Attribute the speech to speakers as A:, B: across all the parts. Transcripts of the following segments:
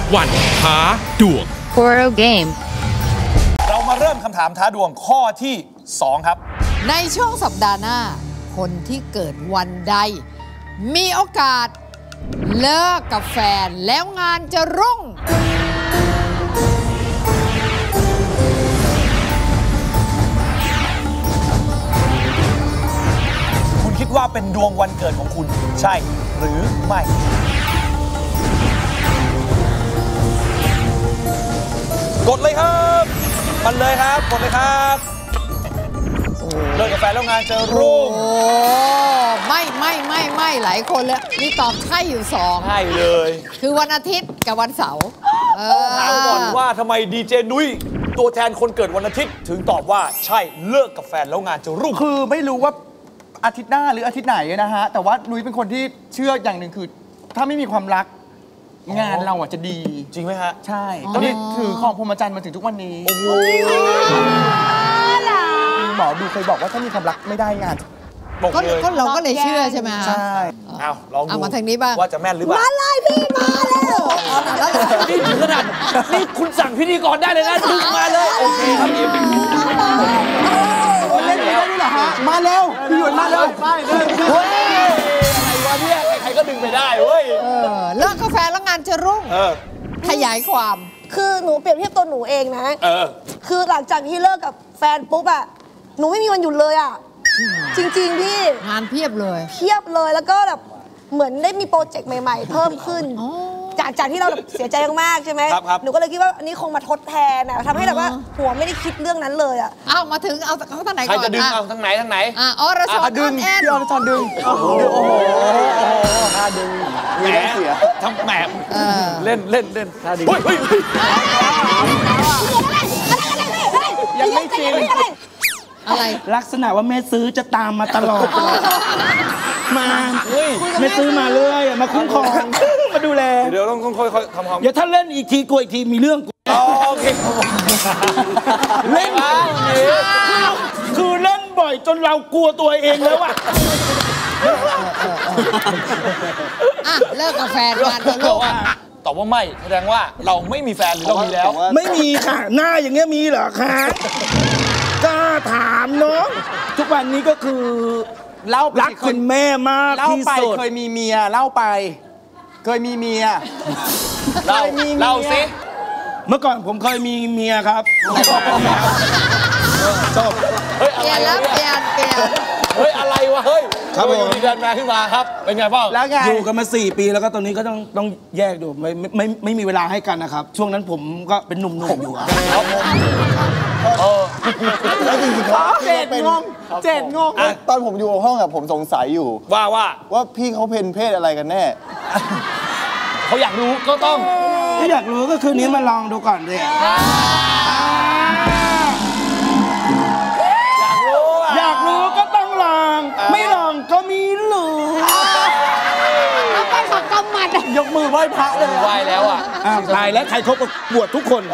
A: วันท้าดวง
B: Poro Game
C: เรามาเริ่มคำถามท้าดวงข้อที่ 2 ครับ
D: ในช่วงสัปดาห์หน้าคนที่เกิดวันใดมีโอกาสเลิกกับแฟนแล้วงานจะรุ่ง
C: คุณคิดว่าเป็นดวงวันเกิดของคุณใช่หรือไม่กดเลยครับมันเลยครับกดเลยครับเลิกกับแฟนแล้วงานจะรุ่ง
D: โอ้ไม่หลายคนเลยนี่ตอบใช่อยู่2
C: ใช่เลย
D: คือวันอาทิตย์กับวันเสาร์
C: ถามก่อนว่าทำไมดีเจนุ้ยตัวแทนคนเกิดวันอาทิตย์ถึงตอบว่าใช่เลิกกับแฟนแล้วงานจะรุ่ง
E: คือไม่รู้ว่าอาทิตย์หน้าหรืออาทิตย์ไหนนะฮะแต่ว่านุ้ยเป็นคนที่เชื่ออย่างหนึ่งคือถ้าไม่มีความรักงานเราจะดี
C: จริงไหมฮะ
E: ใช่ก็นี่ถือของพรหมจรรย์มาถึงทุกวันนี้
C: โอ้โห
E: หมอดูเคยบอกว่าถ้ามีความรักไม่ได้งาน
D: ก็เราก็เลยเชื่อใช่ไหม
E: ใช่
C: เอาลองดู
D: มาทางนี้บ้าง
C: ว่าจะแม่นหรือเปล่า
D: มาเลยพี่มาแล้ว
C: นี่ถึงขนาดนี่คุณสั่งพิธีกรได้เลยนะดึงมาเลยโอเคครับพี่
E: เล่นได้ด้วยเหรอฮะมาเร็วพี่หยวนมาเร็ว
C: เฮ้ยอะไรวะเนี่ยใครๆก็ดึงไปได้เว้ย
D: เลิกกาแฟแล้วงานจะรุ่งขยายความ
F: คือหนูเปรียบเทียบตัวหนูเองนะคือหลังจากที่เลิกกับแฟนปุ๊บอะหนูไม่มีวันหยุดเลยอะจริงๆพี่
D: งานเพียบเลย
F: แล้วก็แบบเหมือนได้มีโปรเจกต์ใหม่ๆเพิ่มขึ้นจากที่เราเสียใจมากๆใช่ไหมหนูก็เลยคิดว่าอันนี้คงมาทดแทนนะทำให้แบบว่าหัวไม่ได้คิดเรื่องนั้นเลยอะ
D: มาถึงเอาทางไหนก่อน
C: ใครจะดึงเอาทางไหน
D: อรชร
E: ดึงพี่อรชรดึงโอ้โหท่าดึงมีแรงเสีย
C: ทำแหมเล่นท่าดึงเฮ้ย
E: ยังไม่จริง
D: อะไร
E: ลักษณะว่าแม่ซื้อจะตามมาตลอดมาแม่ซื้อมาเรื่อยมาคุ้มครองมาดูแล
C: เดี๋ยวต้องค่อยๆทำความ
E: เดี๋ยวถ้าเล่นอีกทีกลัวอีกทีมีเรื่อง
C: โอเค
E: เล่นคือเล่นบ่อยจนเรากลัวตัวเองแล้วอะ
D: เลิกกับแฟนงานจะรุ่ง
C: ตอบว่าไม่แสดงว่าเราไม่มีแฟนหรือเรามีแล้ว
E: ไม่มีค่ะหน้าอย่างเงี้ยมีเหรอคะกล้าถามเนาะทุกวันนี้ก็คือรักคุณแม่มากที่สุดเคยมีเมียเล่าไปเคยมีเมีย
C: เล่าสิ
E: เมื่อก่อนผมเคยมีเมียครับ
C: จบ
D: เปลี่ยน
C: เฮ้ยอะไรวะเฮ้ยครับผมมีแฟนมาขึ้นมาครับเป็นไงบ้าง
E: แล้วไงอยู่กันมา4 ปีแล้วก็ตอนนี้ก็ต้องแยกอยู่ไม่มีเวลาให้กันนะครับช่วงนั้นผมก็เป็นหนุ่มๆอยู่
G: แล้วจริงๆเขา
E: เจ็ดงง
G: ตอนผมอยู่ห้องอะผมสงสัยอยู่ว่าพี่เขาเป็นเพศอะไรกันแน่
C: เขาอยากรู้ก็ต้อง
E: ถ้าอยากรู้ก็คืนนี้มาลองดูก่อนเลยอยากรู้ก็ต้องลองไม่ลองก็มีหลู
D: แล้วไปขับกำมัด
E: ยกมือไหว้พระเลย
C: ไหว้แล้วอ่ะ
E: ตายแล้วใครครบบวชทุกคน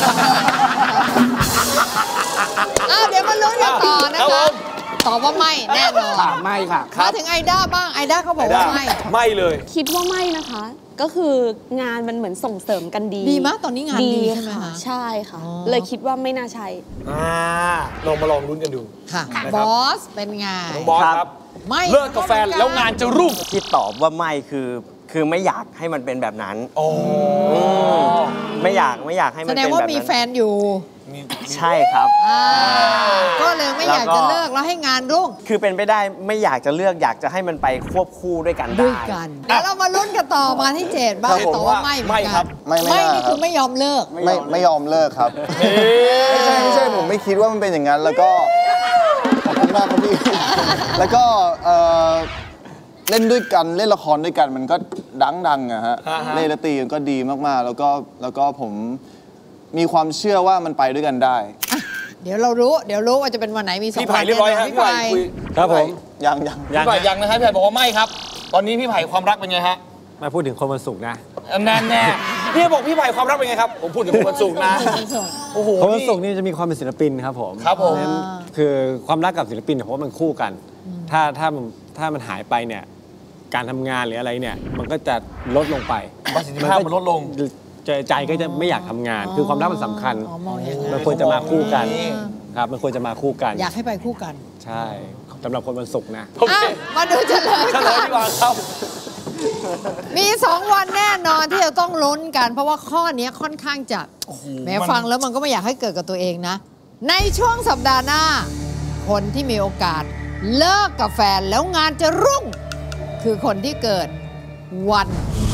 D: เดี๋ยวมาลุ้นกันต่อนะคะตอบว่าไม่แน่นอน
E: ไม่ค่ะ
D: มาถึงไอด้าบ้างไอด้าเขาบอกว่า
C: ไม่เลย
H: คิดว่าไม่นะคะก็คืองานมันเหมือนส่งเสริมกันดี
D: มากตอนนี้งานดีใช่ไหมคะ
H: ใช่ค่ะเลยคิดว่าไม่น่าใช่
C: ลองมาลองลุ้นกันดู
D: ค่ะบอสเป็นไง
C: บอสครับไม่เลิกกับแฟนแล้วงานจะรุ่ง
I: ที่ตอบว่าไม่คือไม่อยากให้มันเป็นแบบนั้นไม่อยากให้มันเป็นแบบนั้นแสดง
D: ว่ามีแฟนอยู่
I: ใช่ครับ
D: ก็เลยไม่อยากจะเลิกแล้วให้งานรุ่ง
I: คือเป็นไปได้ไม่อยากจะเลือกอยากจะให้มันไปควบคู่ด้วยกันได้
D: แล้วเรามาลุ้นกันต่อมาที่7บ้างต่อว่าไม่
C: ครับ
D: ไม่นี่คือไม่ยอมเลิก
G: ไม่ยอมเลิกครับไม่ใช่ผมไม่คิดว่ามันเป็นอย่างนั้นแล้วก็ขอบคุณมากครับพี่แล้วก็เล่นด้วยกันเล่นละครด้วยกันมันก็ดังอะฮะเล่นดนตรีมันก็ดีมากๆแล้วก็ผมมีความเชื่อว่ามันไปด้วยกันได้
D: เดี๋ยวรู้ว่าจะเป็นวันไหนมี2
C: พี่ไผ่เรียบร้อยครับพี่ไผ่
G: ครับผมยัง
C: พี่ไผ่ยังนะครับพี่ไผ่บอกว่าไม่ครับตอนนี้พี่ไผ่ความรักเป็นไงฮะ
I: มาพูดถึงคนวันศุกร์นะ
C: แน่พี่บอกพี่ไผ่ความรักเป็นไงครับผมพูดถึงคนวันศุกร์นะ
I: โอ้โหคนวันศุกร์นี่จะมีความเป็นศิลปินครับผมคือความรักกับศิลปินผมว่ามันคู่กันถ้ามันหายไปเนี่ยการทำงานหรืออะไรเนี่ยมันก็จะลดลงไป
C: ประสิทธิภาพมันลดลง
I: ใจก็จะไม่อยากทำงาน คือความรักมันสำคัญมันควรจะมาคู่กันครับมันควรจะมาคู่กัน
D: อยากให้ไปคู่กัน
I: ใช่สำหรับคนวันศุกร์นะ
D: มาดูเฉลย
C: ดีกว่าครับ
D: มี2 วันแน่นอนที่จะต้องลุ้นกันเพราะว่าข้อนี้ค่อนข้างจะแม้ฟังแล้วมันก็ไม่อยากให้เกิดกับตัวเองนะในช่วงสัปดาห์หน้าคนที่มีโอกาสเลิกกับแฟนแล้วงานจะรุ่งคือคนที่เกิดวัน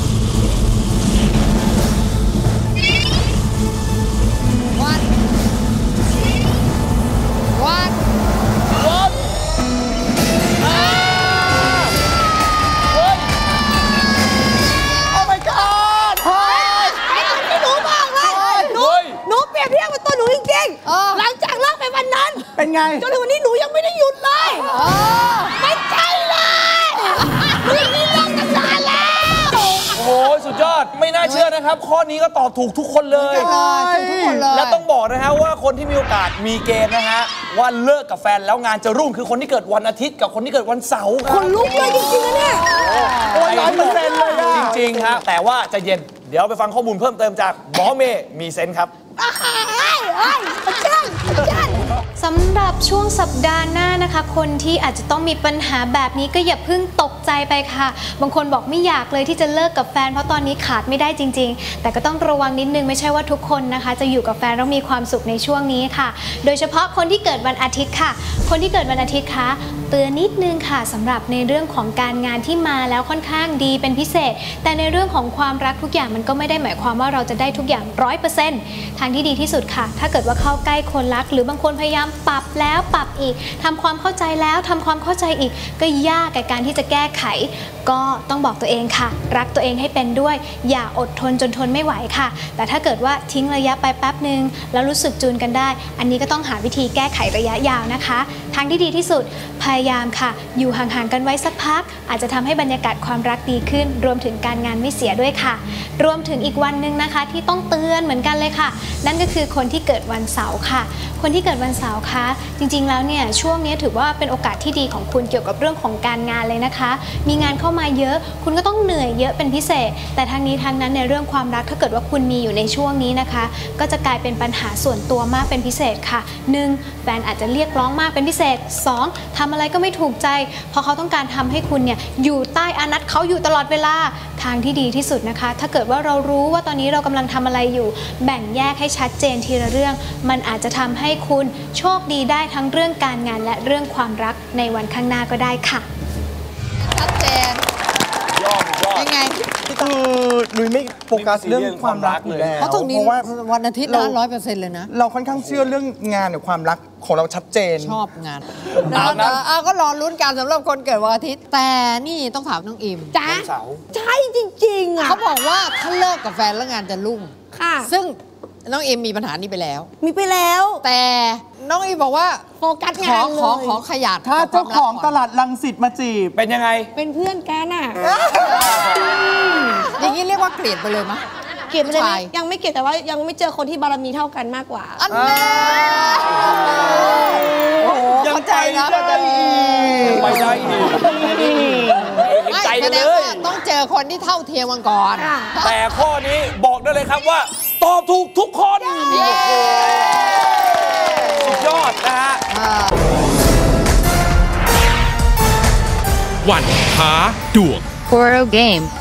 F: หลังจากเลิกไปวันนั้น
E: เป็นไง
F: จนถึงวันนี้หนูยังไม่ได้หยุดเลยไม่ใช่เลยหนูนี่เลิกกันนานแล้ว
C: โอ้โหสุดยอดไม่น่าเชื่อนะครับข้อนี้ก็ตอบถูกทุกคนเลยและต้องบอกนะฮะว่าคนที่มีโอกาสมีเกณฑ์นะฮะว่าเลิกกับแฟนแล้วงานจะรุ่งคือคนที่เกิดวันอาทิตย์กับคนที่เกิดวันเสาร์
F: คนลุกเลยจริงๆนะเนี่ย
C: โอ้ย100%เลยจริงๆครับแต่ว่าจะเย็นเดี๋ยวไปฟังข้อมูลเพิ่มเติมจากหมอเมย์มีเซนส์ครับ
A: สำหรับช่วงสัปดาห์หน้านะคะคนที่อาจจะต้องมีปัญหาแบบนี้ก็อย่าเพิ่งตกใจไปค่ะบางคนบอกไม่อยากเลยที่จะเลิกกับแฟนเพราะตอนนี้ขาดไม่ได้จริงๆแต่ก็ต้องระวังนิดนึงไม่ใช่ว่าทุกคนนะคะจะอยู่กับแฟนแล้วมีความสุขในช่วงนี้ค่ะโดยเฉพาะคนที่เกิดวันอาทิตย์ค่ะคนที่เกิดวันอาทิตย์คะเตือนนิดนึงค่ะสำหรับในเรื่องของการงานที่มาแล้วค่อนข้างดีเป็นพิเศษแต่ในเรื่องของความรักทุกอย่างมันก็ไม่ได้หมายความว่าเราจะได้ทุกอย่าง 100% ทางที่ดีที่สุดค่ะถ้าเกิดว่าเข้าใกล้คนรักหรือบางคนพยายามปรับแล้วปรับอีกทำความเข้าใจแล้วทำความเข้าใจอีกก็ยากกับการที่จะแก้ไขก็ต้องบอกตัวเองค่ะรักตัวเองให้เป็นด้วยอย่าอดทนจนทนไม่ไหวค่ะแต่ถ้าเกิดว่าทิ้งระยะไปแป๊บนึงแล้วรู้สึกจูนกันได้อันนี้ก็ต้องหาวิธีแก้ไขระยะยาวนะคะทางที่ดีที่สุดพยายามค่ะอยู่ห่างๆกันไว้สักพักอาจจะทำให้บรรยากาศความรักดีขึ้นรวมถึงการงานไม่เสียด้วยค่ะรวมถึงอีกวันนึงนะคะที่ต้องเตือนเหมือนกันเลยค่ะนั่นก็คือคนที่เกิดวันเสาร์ค่ะคนที่เกิดวันเสาร์คะจริงๆแล้วเนี่ยช่วงนี้ถือว่าเป็นโอกาสที่ดีของคุณเกี่ยวกับเรื่องของการงานเลยนะคะมีงานเข้ามาเยอะคุณก็ต้องเหนื่อยเยอะเป็นพิเศษแต่ทางนี้ทางนั้นในเรื่องความรักถ้าเกิดว่าคุณมีอยู่ในช่วงนี้นะคะก็จะกลายเป็นปัญหาส่วนตัวมากเป็นพิเศษค่ะ 1. แฟนอาจจะเรียกร้องมากเป็นพิเศษ 2. ทำอะไรก็ไม่ถูกใจเพราะเขาต้องการทำให้คุณเนี่ยอยู่ใต้อานัตเขาอยู่ตลอดเวลาทางที่ดีที่สุดนะคะถ้าเกิดว่าเรารู้ว่าตอนนี้เรากำลังทำอะไรอยู่แบ่งแยกให้ชัดเจนทีละเรื่องมันอาจจะทำให้คุณโชคดีได้ทั้งเรื่องการงานและเรื่องความรักในวันข้างหน้าก็ได้ค่ะ
D: ชัดเจนยังไง
E: คือหนุ่ยไม่โฟกัสเรื่องความรักเลย
D: เพราะตรงนี้วันอาทิตย์นะ100%เลยนะ
E: เราค่อนข้างเชื่อเรื่องงานกับความรักของเราชัดเจน
D: ชอบงานก็รอลุ้นกันสำหรับคนเกิดวันอาทิตย์แต่นี่ต้องถามน้องอิม
F: จ้าใช่จริงๆอ่ะ
D: เขาบอกว่าถ้าเลิกกับแฟนแล้วงานจะรุ่ง
F: ค่ะ
D: ซึ่งน้องอิมมีปัญหานี้ไปแล้วแต่น้องอิมบอกว่า
F: โฟกัสงานเลย
D: ขอขยัน
E: ถ้าเจ้าของตลาดรังสิตมาจีบ
C: เป็นยังไง
F: เป็นเพื่อนกันอ่ะ
D: อย่างนี้เรียกว่าเกลียดไปเลยมั้ย
F: เกลียดไปเลยยังไม่เกลียดแต่ว่ายังไม่เจอคนที่บารมีเท่ากันมากกว่า
D: อันนี้
C: ยังใจนะไปได้อีกใจเลย
D: ต้องเจอคนที่เท่าเทียมกันก่อน
C: แต่ข้อนี้บอกได้เลยครับว่าตอบถูกทุกคนสุดยอดนะฮะ
B: วันท้าดวง Horo Game